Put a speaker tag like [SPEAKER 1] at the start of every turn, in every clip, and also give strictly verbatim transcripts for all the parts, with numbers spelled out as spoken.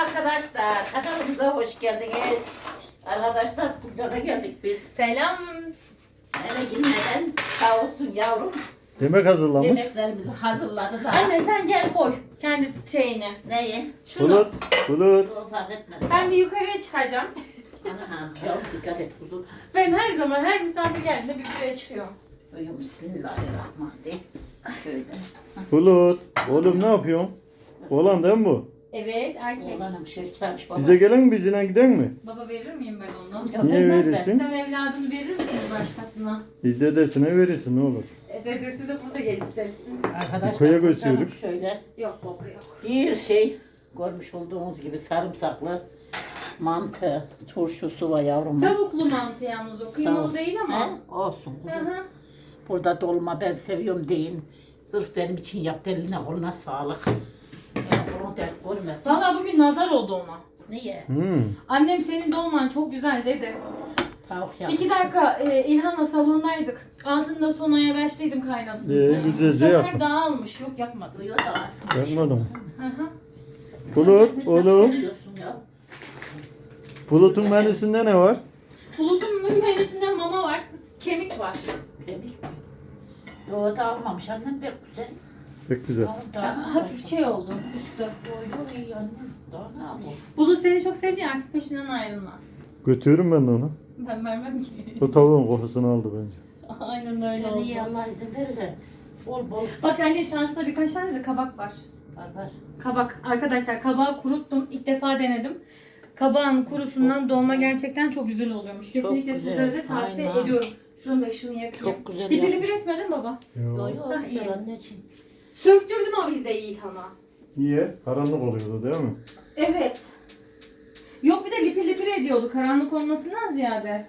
[SPEAKER 1] arkadaşlar. Kanalımıza hoş geldiniz. Arkadaşlar Bulca'da geldik biz.
[SPEAKER 2] Selam.
[SPEAKER 1] Eve girmeden sağ olsun yavrum.
[SPEAKER 3] Yemek hazırlamış.
[SPEAKER 1] Yemeklerimizi hazırladı da.
[SPEAKER 2] Anne sen gel koy kendi şeyini.
[SPEAKER 1] Neyi?
[SPEAKER 2] Şunu.
[SPEAKER 3] Bulut, bulut.
[SPEAKER 1] O fark etmedim.
[SPEAKER 2] Ben bir yukarıya çıkacağım.
[SPEAKER 1] Anam yavrum dikkat et kuzum.
[SPEAKER 2] Ben her zaman her misafir geldiğinde bir yukarıya çıkıyorum.
[SPEAKER 1] Uyum bismillahirrahmanirrahim. Şöyle.
[SPEAKER 3] Bulut. Oğlum ne yapıyorsun? Oğlan değil mi bu?
[SPEAKER 2] Evet erkek.
[SPEAKER 1] Oğlanım şirkelmiş babası.
[SPEAKER 3] Bize gelen mi bizine giden mi?
[SPEAKER 2] Baba verir miyim ben onu?
[SPEAKER 1] Canım
[SPEAKER 3] Niye
[SPEAKER 1] vermez de.
[SPEAKER 3] verirsin?
[SPEAKER 2] Sen evladını verir misin başkasına?
[SPEAKER 3] Bir dedesine verirsin ne olur.
[SPEAKER 2] E, dedesi de burada gelip istersin.
[SPEAKER 1] Arkadaşlar
[SPEAKER 3] Koya
[SPEAKER 1] canım
[SPEAKER 3] götürüyoruz.
[SPEAKER 1] şöyle
[SPEAKER 2] Yok baba yok.
[SPEAKER 1] bir şey görmüş olduğunuz gibi sarımsaklı mantı turşusu var yavrum.
[SPEAKER 2] Tavuklu mantı yalnız o.
[SPEAKER 1] Sağ
[SPEAKER 2] Kıymalı
[SPEAKER 1] olsun.
[SPEAKER 2] değil ama.
[SPEAKER 1] He? Olsun
[SPEAKER 2] Hı
[SPEAKER 1] kuzum.
[SPEAKER 2] hı.
[SPEAKER 1] Burada dolma ben seviyorum deyin. Sırf benim için yaptı, eline koluna sağlık. Yani onu dert görmesin.
[SPEAKER 2] Valla bugün nazar oldu ona.
[SPEAKER 1] Niye?
[SPEAKER 3] Hmm.
[SPEAKER 2] Annem senin dolman çok güzel dedi.
[SPEAKER 1] Tavuk yapmış.
[SPEAKER 2] İki dakika e, İlhan'la salondaydık. Altında son ayalaştıydım kaynasın.
[SPEAKER 3] Ee,
[SPEAKER 2] diye.
[SPEAKER 3] güzelce
[SPEAKER 2] Bu sefer
[SPEAKER 3] yaptın.
[SPEAKER 2] dağılmış. Yok yapmadım.
[SPEAKER 1] Duyuyor da aslında.
[SPEAKER 3] Yapmadım.
[SPEAKER 2] Hı hı.
[SPEAKER 3] Bulut,
[SPEAKER 1] Sen
[SPEAKER 3] oğlum.
[SPEAKER 1] seviyorsun ya.
[SPEAKER 3] Bulut'un menüsünde ne var?
[SPEAKER 2] Bulutun menüsünde mama var. Kemik var.
[SPEAKER 1] Kemik mi? Yo da almamış annem pek güzel.
[SPEAKER 3] Pek güzel.
[SPEAKER 1] Yavrum daha
[SPEAKER 2] Ha,
[SPEAKER 1] ne
[SPEAKER 2] hafif
[SPEAKER 1] olsun?
[SPEAKER 2] şey oldu üstü.
[SPEAKER 1] Yo yo iyi annem. Daha ne yapalım?
[SPEAKER 2] Bulut seni çok sevdiği artık peşinden ayrılmaz.
[SPEAKER 3] Götürürüm ben de onu.
[SPEAKER 2] Ben vermem ki.
[SPEAKER 3] O tavuğun kokusunu aldı bence.
[SPEAKER 2] Aynen öyle
[SPEAKER 1] Seni iyi
[SPEAKER 2] oldu.
[SPEAKER 1] Allah izin verirse bol bol
[SPEAKER 2] Bak anne şansında birkaç tane de kabak var.
[SPEAKER 1] var var.
[SPEAKER 2] Kabak. Arkadaşlar kabağı kuruttum. İlk defa denedim. Kabağın kurusundan dolma gerçekten çok güzel oluyormuş. Kesinlikle
[SPEAKER 1] güzel.
[SPEAKER 2] sizlere de tavsiye
[SPEAKER 1] Aynen.
[SPEAKER 2] ediyorum. Şunun da ışığını yakayım.
[SPEAKER 1] Çok güzel
[SPEAKER 2] Dibini
[SPEAKER 1] yapmış.
[SPEAKER 2] bir etmedin baba.
[SPEAKER 1] Yo
[SPEAKER 3] Yo.
[SPEAKER 1] yo
[SPEAKER 2] Hah,
[SPEAKER 1] güzel
[SPEAKER 2] iyi.
[SPEAKER 1] anneciğim.
[SPEAKER 2] Söktürdüm avizeyi İlhan'a.
[SPEAKER 3] Niye? Karanlık oluyordu değil mi?
[SPEAKER 2] Evet. Yok bir de lipir lipir ediyordu karanlık olmasından ziyade.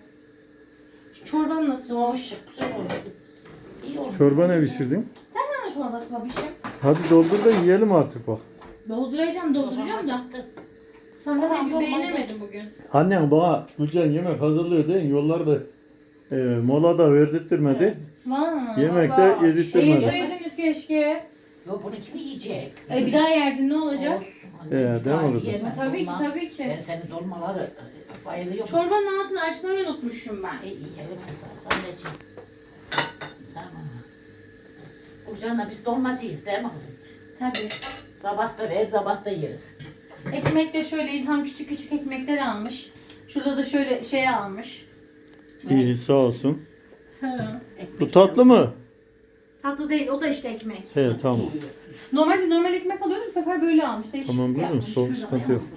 [SPEAKER 2] Şu çorban nasıl olmuş?
[SPEAKER 1] Hoş güzel olmuş. İyi olmuş.
[SPEAKER 3] Çorba ne pişirdin?
[SPEAKER 2] Sen ne çorbası babişim?
[SPEAKER 3] Hadi doldur da yiyelim artık bak.
[SPEAKER 2] Dolduracağım dolduracağım da. Sen
[SPEAKER 1] Tamam,
[SPEAKER 2] de bir
[SPEAKER 1] dolma
[SPEAKER 2] beğenemedin bugün.
[SPEAKER 3] Annen bana Gülcan yemek hazırlıyor değil mi? Yollarda e, mola da verdirtmedi.
[SPEAKER 2] Vay.
[SPEAKER 3] Yemek de
[SPEAKER 2] Allah. İyi
[SPEAKER 3] yedirttirmedi.
[SPEAKER 2] söylediniz keşke.
[SPEAKER 1] Yo bunu kim yiyecek?
[SPEAKER 2] E bir daha yerdin ne olacak?
[SPEAKER 1] Olsun.
[SPEAKER 3] Ee,
[SPEAKER 1] Anne, bir
[SPEAKER 3] değil mi
[SPEAKER 1] daha
[SPEAKER 3] kızım?
[SPEAKER 1] yiyemem.
[SPEAKER 2] Tabii ki
[SPEAKER 1] Dolma.
[SPEAKER 2] tabii ki.
[SPEAKER 1] Ben senin dolmaları e, bayılıyorum.
[SPEAKER 2] Çorbanın altını açmayı unutmuşum ben.
[SPEAKER 1] İyi iyi evet anneciğim. Tamam. Burcan'la biz dolmacıyız değil mi kızım?
[SPEAKER 2] Tabii.
[SPEAKER 1] Sabah da ver, sabah da yeriz.
[SPEAKER 2] Ekmek de şöyle İlhan küçük küçük ekmekler almış. Şurada da şöyle şey almış.
[SPEAKER 3] İyi sağ olsun.
[SPEAKER 2] He.
[SPEAKER 3] Bu tatlı mı?
[SPEAKER 2] Tatlı değil o da işte ekmek.
[SPEAKER 3] He tamam.
[SPEAKER 2] Normalde normal ekmek alıyordum bu sefer böyle almış. Değişik
[SPEAKER 3] Tamam kızım
[SPEAKER 2] yapmış.
[SPEAKER 3] soğuk
[SPEAKER 2] Şurada.
[SPEAKER 3] sıkıntı yok.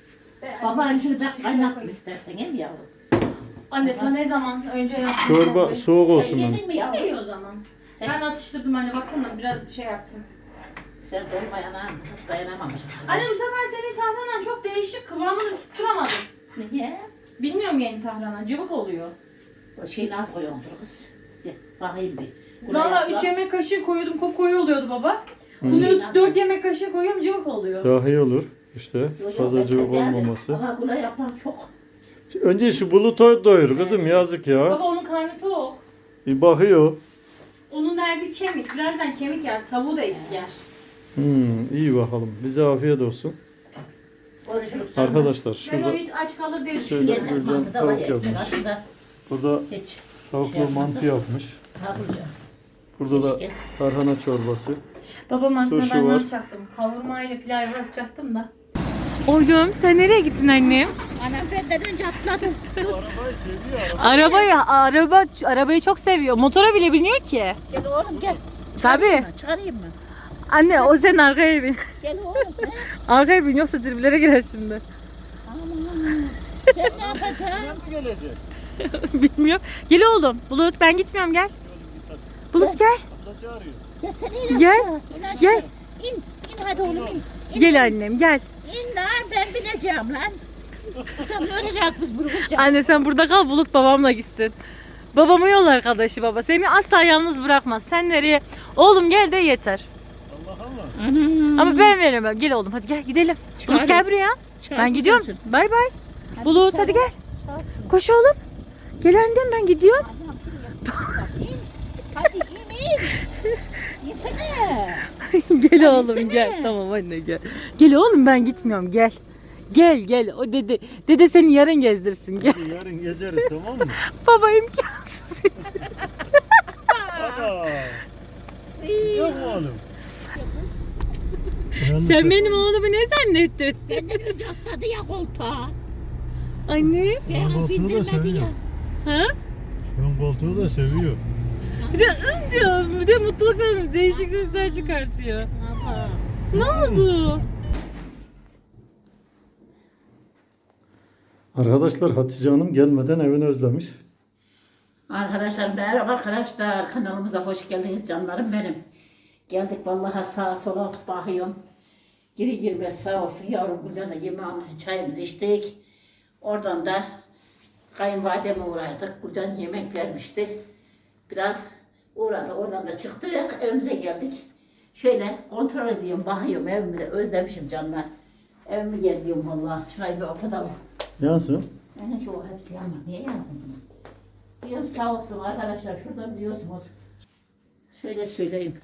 [SPEAKER 1] Baban şunu
[SPEAKER 2] Şuraya
[SPEAKER 1] ben kaynatma
[SPEAKER 2] koy.
[SPEAKER 1] istersen hem yavrum.
[SPEAKER 2] Anne ta ne zaman önce yaptım.
[SPEAKER 3] Çorba
[SPEAKER 2] tabii.
[SPEAKER 3] soğuk
[SPEAKER 1] Sen
[SPEAKER 3] olsun bana.
[SPEAKER 1] yedin mi yavrum?
[SPEAKER 2] İyi o zaman.
[SPEAKER 1] Sen,
[SPEAKER 2] Ben atıştırdım anne baksana biraz şey yaptım.
[SPEAKER 1] sen dolmayana dayanamamışsın.
[SPEAKER 2] Anne bu sefer senin tahtanan çok değişik kıvamını tutturamadım.
[SPEAKER 1] Niye?
[SPEAKER 2] Bilmiyorum yeni tahtanan cıvık oluyor.
[SPEAKER 1] O şeyini az koyuyordur kız. Gel bakayım bir.
[SPEAKER 2] Valla üç yemek kaşığı koyuyordum kop koyu oluyordu baba. Bunu dört yemek kaşığı koyuyorum cıvık oluyor.
[SPEAKER 3] Daha iyi olur işte. Fazla cıvık olmaması.
[SPEAKER 1] Aha kula yapan çok.
[SPEAKER 3] Önce şu bulutu doyur kızım yazık ya.
[SPEAKER 2] Baba onun karnı tok.
[SPEAKER 3] Bir bakıyor.
[SPEAKER 2] Onun derdi kemik. Birazdan kemik yer. Tavuğu da et yer.
[SPEAKER 3] Hmm, iyi bakalım. Bize afiyet olsun.
[SPEAKER 1] Konuşuruz canım.
[SPEAKER 3] Arkadaşlar
[SPEAKER 2] Ben
[SPEAKER 3] şurada
[SPEAKER 2] o hiç aç kalır diye
[SPEAKER 3] Şöyle
[SPEAKER 2] düşünüyorum.
[SPEAKER 1] Yeter,
[SPEAKER 3] Gülcan
[SPEAKER 1] mantı da var
[SPEAKER 3] tavuk
[SPEAKER 1] ya,
[SPEAKER 3] yapmış.
[SPEAKER 1] aslında
[SPEAKER 3] burada
[SPEAKER 1] hiç.
[SPEAKER 3] tavuklu
[SPEAKER 1] Şey
[SPEAKER 3] mantı yapmış.
[SPEAKER 1] Taburca.
[SPEAKER 3] Burada da
[SPEAKER 1] Keşke.
[SPEAKER 3] tarhana çorbası.
[SPEAKER 2] Babam aslında
[SPEAKER 3] Turşu
[SPEAKER 2] ben ne
[SPEAKER 3] var.
[SPEAKER 2] yapacaktım? Kavurma ile pilav yapacaktım da. Oğlum sen nereye gittin annem?
[SPEAKER 1] Anam benden önce atladı.
[SPEAKER 2] Arabayı, araba, arabayı çok seviyor. Motora bile biniyor ki.
[SPEAKER 1] Gel oğlum gel.
[SPEAKER 2] Tabii.
[SPEAKER 1] Çıkarayım mı?
[SPEAKER 2] Anne o senin arkaya bin.
[SPEAKER 1] Gel oğlum. he?
[SPEAKER 2] Arkaya bin yoksa triplere girer şimdi.
[SPEAKER 1] Aman. Ben ne yapacağım?
[SPEAKER 3] gelecek?
[SPEAKER 2] Bilmiyorum. Gel oğlum. Bulut ben gitmiyorum gel. Bulut gel.
[SPEAKER 3] Abla çağırıyor.
[SPEAKER 1] Ya sen in
[SPEAKER 2] Gel,
[SPEAKER 1] aşağı, in aşağı.
[SPEAKER 2] gel.
[SPEAKER 1] İn, in hadi oğlum in. İn,
[SPEAKER 2] Gel annem gel.
[SPEAKER 1] İn lan ben bineceğim lan. Hocam öğrenecek biz bunu hocam.
[SPEAKER 2] Anne sen burada kal Bulut babamla gitsin. Babamın yol arkadaşı baba. Seni asla yalnız bırakmaz. Sen nereye? Oğlum gel de yeter.
[SPEAKER 3] Allah Allah.
[SPEAKER 2] Ama ben veremem. Gel oğlum hadi gel gidelim. Bulut gel buraya. Ben gidiyorum. Bay bay. Bulut hadi gel. Koş oğlum. Gel annem ben gidiyorum.
[SPEAKER 1] İn. Hadi in in. İnsene.
[SPEAKER 2] Gel oğlum
[SPEAKER 1] Gelsene.
[SPEAKER 2] gel. Tamam anne gel. Gel oğlum ben gitmiyorum gel. Gel gel. O dede dede seni yarın gezdirsin. Gel.
[SPEAKER 3] Hadi yarın gezeriz tamam mı?
[SPEAKER 2] Baba imkansız.
[SPEAKER 3] Ana. Yok mu oğlum?
[SPEAKER 2] Sen benim oğlumu ne zannettin?
[SPEAKER 1] Ben de gözü atladı ya koltuğa.
[SPEAKER 2] Anne.
[SPEAKER 1] Beni
[SPEAKER 3] koltuğu da
[SPEAKER 1] bindirmedi
[SPEAKER 3] seviyor.
[SPEAKER 1] ya.
[SPEAKER 2] Ha?
[SPEAKER 3] Ön koltuğu da seviyor.
[SPEAKER 2] Bir de ın diyor. Bir de mutlulukla değişik sesler çıkartıyor.
[SPEAKER 1] Aha.
[SPEAKER 2] Ne oldu?
[SPEAKER 3] Arkadaşlar Hatice Hanım gelmeden evini özlemiş.
[SPEAKER 1] Arkadaşlar merhaba arkadaşlar. Kanalımıza hoş geldiniz canlarım benim. Geldik vallahi sağa sola bakıyorum. Giri girmez sağ olsun yavrum buradan da yemeğimizi çayımızı içtik. Oradan da kayınvalideme uğradık. Buradan yemek vermişti. Biraz uğradı. Oradan da çıktık. Evimize geldik. Şöyle kontrol ediyorum, bakıyorum evimi de özlemişim canlar. Evimi geziyorum vallahi. Şurayı bir kapatalım.
[SPEAKER 3] Yansın.
[SPEAKER 1] Yani yok hepsi ama niye yazdım bunu? Diyorum sağ olsun arkadaşlar şurada biliyorsunuz. Şöyle söyleyeyim.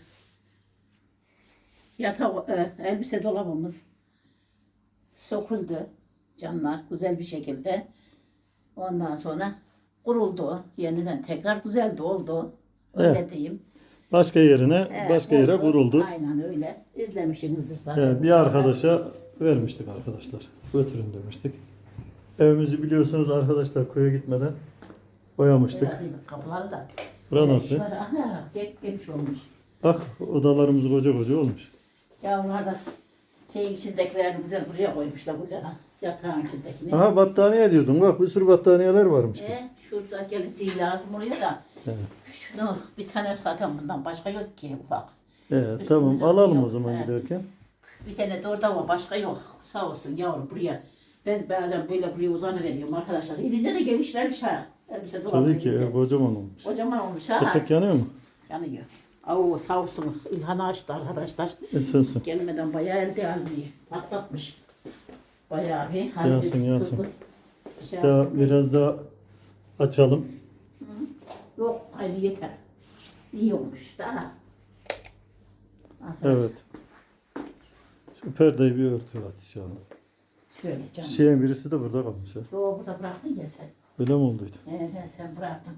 [SPEAKER 1] Yatak, e, elbise dolabımız söküldü canlar güzel bir şekilde. Ondan sonra kuruldu. Yeniden tekrar güzeldi oldu. Öyle
[SPEAKER 3] Evet.
[SPEAKER 1] diyeyim.
[SPEAKER 3] Başka yerine,
[SPEAKER 1] Evet,
[SPEAKER 3] başka yere
[SPEAKER 1] oldu.
[SPEAKER 3] Kuruldu.
[SPEAKER 1] Aynen öyle. İzlemişsinizdir zaten.
[SPEAKER 3] Evet, bir arkadaşa vermiştik arkadaşlar. Götürün demiştik. Evimizi biliyorsunuz arkadaşlar köye gitmeden boyamıştık.
[SPEAKER 1] Boyadıydık kapıları da.
[SPEAKER 3] Bura
[SPEAKER 1] Evet,
[SPEAKER 3] nasıl?
[SPEAKER 1] şöyle, aha, gel- gelmiş olmuş.
[SPEAKER 3] Bak odalarımız koca koca olmuş.
[SPEAKER 1] Yavrular da şeyin içindekilerini güzel buraya koymuşlar kucana. Yatağın içindekini.
[SPEAKER 3] Aha battaniye diyordum. Bak bir sürü battaniyeler varmış.
[SPEAKER 1] E, şurada geleceği lazım oraya da.
[SPEAKER 3] Evet.
[SPEAKER 1] Şunu bir tane zaten bundan başka yok ki ufak.
[SPEAKER 3] Evet,
[SPEAKER 1] Üstümüze
[SPEAKER 3] tamam alalım
[SPEAKER 1] yok.
[SPEAKER 3] o zaman
[SPEAKER 1] Evet.
[SPEAKER 3] giderken.
[SPEAKER 1] Bir tane de orada var başka yok. Sağ olsun yavrum buraya. Ben bazen böyle buraya uzanıveriyorum arkadaşlar. Gidince de genişlemiş ha. Elbise dolabı
[SPEAKER 3] Tabii ki
[SPEAKER 1] gidince.
[SPEAKER 3] ev kocaman olmuş.
[SPEAKER 1] Kocaman olmuş ha.
[SPEAKER 3] Petek yanıyor mu?
[SPEAKER 1] Yanıyor. Oo sağ olsun İlhan'ı açtı arkadaşlar.
[SPEAKER 3] Isınsın.
[SPEAKER 1] Gelmeden bayağı elde almayı patlatmış. Bayağı bir. hani
[SPEAKER 3] Yansın,
[SPEAKER 1] bir
[SPEAKER 3] yansın.
[SPEAKER 1] hızlı şey
[SPEAKER 3] Daha
[SPEAKER 1] yaptı.
[SPEAKER 3] biraz daha açalım.
[SPEAKER 1] Yok hayır yeter. İyi olmuş daha.
[SPEAKER 3] Evet. Şu perdeyi bir örtü Hatice Hanım.
[SPEAKER 1] Şöyle canım.
[SPEAKER 3] Şeyin birisi de burada kalmış ha.
[SPEAKER 1] Yo burada bıraktın ya sen.
[SPEAKER 3] Öyle mi olduydu?
[SPEAKER 1] He he sen bıraktın.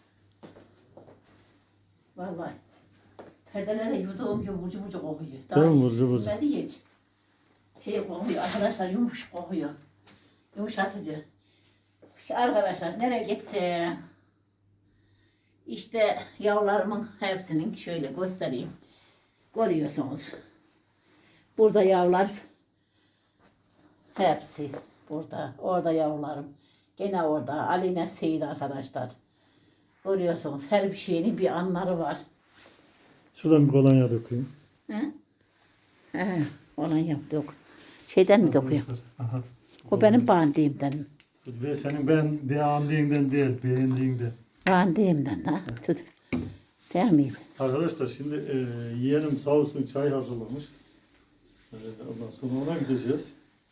[SPEAKER 1] Vallahi. Perdeler de yuduğum gibi ucu ucu kokuyor. Daha
[SPEAKER 3] Değil mi,
[SPEAKER 1] hiç
[SPEAKER 3] ucu ucu?
[SPEAKER 1] silmedi hiç. Şey kokuyor arkadaşlar yumuş kokuyor. Yumuşatıcı. Arkadaşlar nereye gitse işte yavrularımın hepsinin şöyle göstereyim. Görüyorsunuz. Burada yavrular hepsi burada. Orada yavrularım. Gene orada. Aline Seyit arkadaşlar. Görüyorsunuz her bir şeyin bir anları var.
[SPEAKER 3] Şuradan bir kolonya dökeyim.
[SPEAKER 1] He? He, ona yaptık. Şeyden mi dokuyor?
[SPEAKER 3] Aha.
[SPEAKER 1] O benim bandiğimden.
[SPEAKER 3] Ve senin ben beğendiğinden değil, beğendiğinden.
[SPEAKER 1] Bandiğimden ha. Tut. Değil mi?
[SPEAKER 3] Arkadaşlar şimdi e, yeğenim sağ olsun çay hazırlamış. E, ondan sonra ona gideceğiz.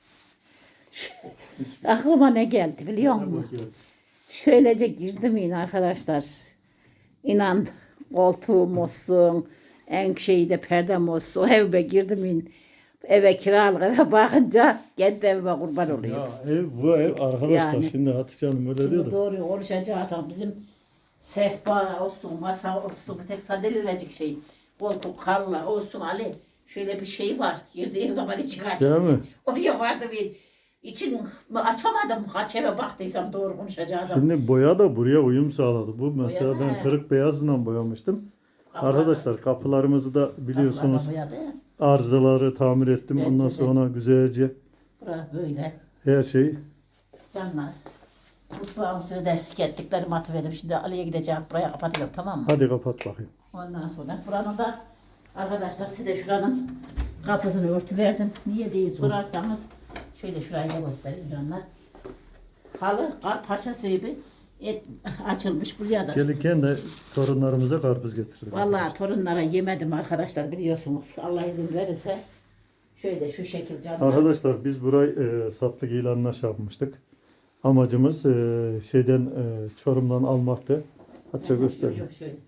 [SPEAKER 1] Aklıma ne geldi biliyor
[SPEAKER 3] Ne
[SPEAKER 1] musun?
[SPEAKER 3] bakıyorum.
[SPEAKER 1] Şöylece girdim yine arkadaşlar. İnan koltuğum olsun, en şeyde perdem olsun, evime girdim yine. Eve kiralık eve bakınca kendi evime kurban oluyor.
[SPEAKER 3] Ya ev bu ev arkadaşlar
[SPEAKER 1] Yani.
[SPEAKER 3] şimdi Hatice Hanım öyle
[SPEAKER 1] Şimdi
[SPEAKER 3] diyor da.
[SPEAKER 1] doğru konuşacağız ama bizim sehpa olsun, masa olsun, bir tek sandalyelecik şey, koltuk, karla olsun Ali. Şöyle bir şey var, girdiğin zaman içi kaç.
[SPEAKER 3] Değil mi?
[SPEAKER 1] Oraya vardı bir, için açamadım, kaç eve baktıysam doğru konuşacağız ama.
[SPEAKER 3] Şimdi boya da buraya uyum sağladı. Bu mesela
[SPEAKER 1] Boya da.
[SPEAKER 3] ben kırık beyazla boyamıştım.
[SPEAKER 1] Kapılar-
[SPEAKER 3] Arkadaşlar kapılarımızı da biliyorsunuz
[SPEAKER 1] Kapılar da boyadı.
[SPEAKER 3] arızaları tamir ettim.
[SPEAKER 1] Bence
[SPEAKER 3] Ondan
[SPEAKER 1] de.
[SPEAKER 3] sonra güzelce
[SPEAKER 1] Bura böyle.
[SPEAKER 3] her şeyi.
[SPEAKER 1] Canlar. Mutfağımızı da gittiklerimi atıverdim. Şimdi Ali'ye gideceğim. Buraya kapatıyorum tamam mı?
[SPEAKER 3] Hadi kapat bakayım.
[SPEAKER 1] Ondan sonra buranın da arkadaşlar size şuranın kapısını örtüverdim. Niye diye sorarsanız şöyle şurayı da göstereyim canlar. Halı kar parçası gibi et, açılmış buraya da.
[SPEAKER 3] Gelirken de torunlarımıza karpuz getirdik.
[SPEAKER 1] Vallahi torunlara yemedim arkadaşlar biliyorsunuz. Allah izin verirse şöyle şu şekil canlar.
[SPEAKER 3] Arkadaşlar biz burayı e, satlık ilanına şey yapmıştık. Amacımız e, şeyden e, Çorum'dan almaktı. Hatta göstereyim.
[SPEAKER 1] Yok, şöyle.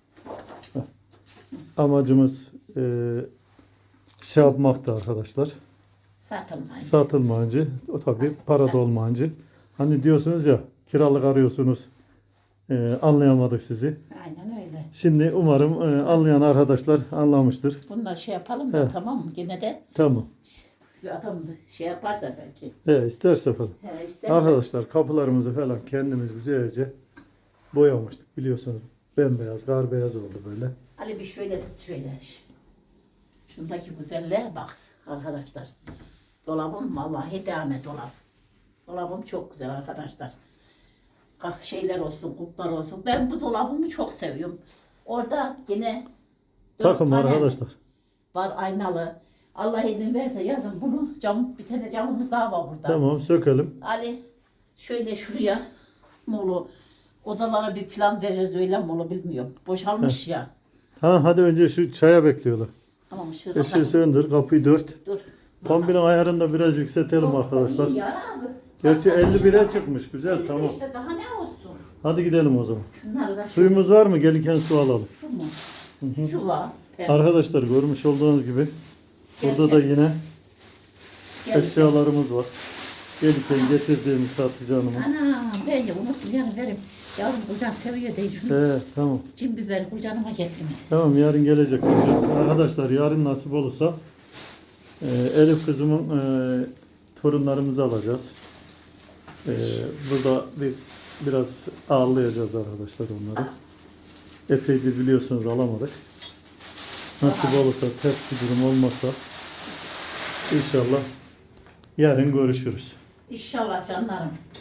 [SPEAKER 3] Amacımız e, şey yapmaktı arkadaşlar.
[SPEAKER 1] Satılmayınca.
[SPEAKER 3] Satılmayınca, o tabii para da olmayınca. Hani diyorsunuz ya, kiralık arıyorsunuz, e, anlayamadık sizi.
[SPEAKER 1] Aynen öyle.
[SPEAKER 3] Şimdi umarım e, anlayan arkadaşlar anlamıştır.
[SPEAKER 1] Bunlar şey yapalım da
[SPEAKER 3] He.
[SPEAKER 1] tamam mı? Gene de
[SPEAKER 3] Tamam.
[SPEAKER 1] adam şey yaparsa belki.
[SPEAKER 3] E, isterse falan.
[SPEAKER 1] He, isterse.
[SPEAKER 3] Arkadaşlar kapılarımızı falan kendimiz güzelce boyamıştık biliyorsunuz. Bembeyaz, kar beyaz oldu böyle.
[SPEAKER 1] Ali bir şöyle tut şöyle. Şundaki güzelliğe bak arkadaşlar. Dolabım vallahi devam et dolap. Dolabım çok güzel arkadaşlar. Kah şeyler olsun, kuplar olsun. Ben bu dolabımı çok seviyorum. Orada yine dört
[SPEAKER 3] Takım
[SPEAKER 1] tane
[SPEAKER 3] arkadaşlar.
[SPEAKER 1] var aynalı. Allah izin verse yazın bunu. Cam, bir tane camımız daha var burada.
[SPEAKER 3] Tamam sökelim.
[SPEAKER 1] Ali şöyle şuraya molu odalara bir plan veririz öyle mi olur bilmiyorum. Boşalmış ya.
[SPEAKER 3] Ha hadi önce şu çaya bekliyorlar.
[SPEAKER 1] Tamam ışığı
[SPEAKER 3] Işığı
[SPEAKER 1] kapat.
[SPEAKER 3] söndür, kapıyı dört.
[SPEAKER 1] Dur.
[SPEAKER 3] Kombinin ayarını da biraz yükseltelim arkadaşlar.
[SPEAKER 1] İyi ya abi.
[SPEAKER 3] Gerçi elli bire çıkmış. Güzel tamam.
[SPEAKER 1] İşte daha ne olsun?
[SPEAKER 3] Hadi gidelim o zaman.
[SPEAKER 1] Şunları da
[SPEAKER 3] Suyumuz var mı? Gelirken su alalım.
[SPEAKER 1] şu mu? Şu var. Temiz.
[SPEAKER 3] Arkadaşlar görmüş olduğunuz gibi burada da yine
[SPEAKER 1] Gel.
[SPEAKER 3] eşyalarımız var. Gelirken getirdiğimiz Hatice Hanım'ın.
[SPEAKER 1] Ana ben de unuttum yani verim. Yavrum kocan seviyor değil şunu.
[SPEAKER 3] He tamam.
[SPEAKER 1] Cin biber kocanıma getirme.
[SPEAKER 3] Tamam yarın gelecek. Arkadaşlar yarın nasip olursa e, Elif kızımın e, torunlarımızı alacağız. E, burada bir biraz ağırlayacağız arkadaşlar onları. Epeydir biliyorsunuz alamadık. Nasip olursa ters bir durum olmazsa inşallah yarın görüşürüz.
[SPEAKER 1] İnşallah canlarım.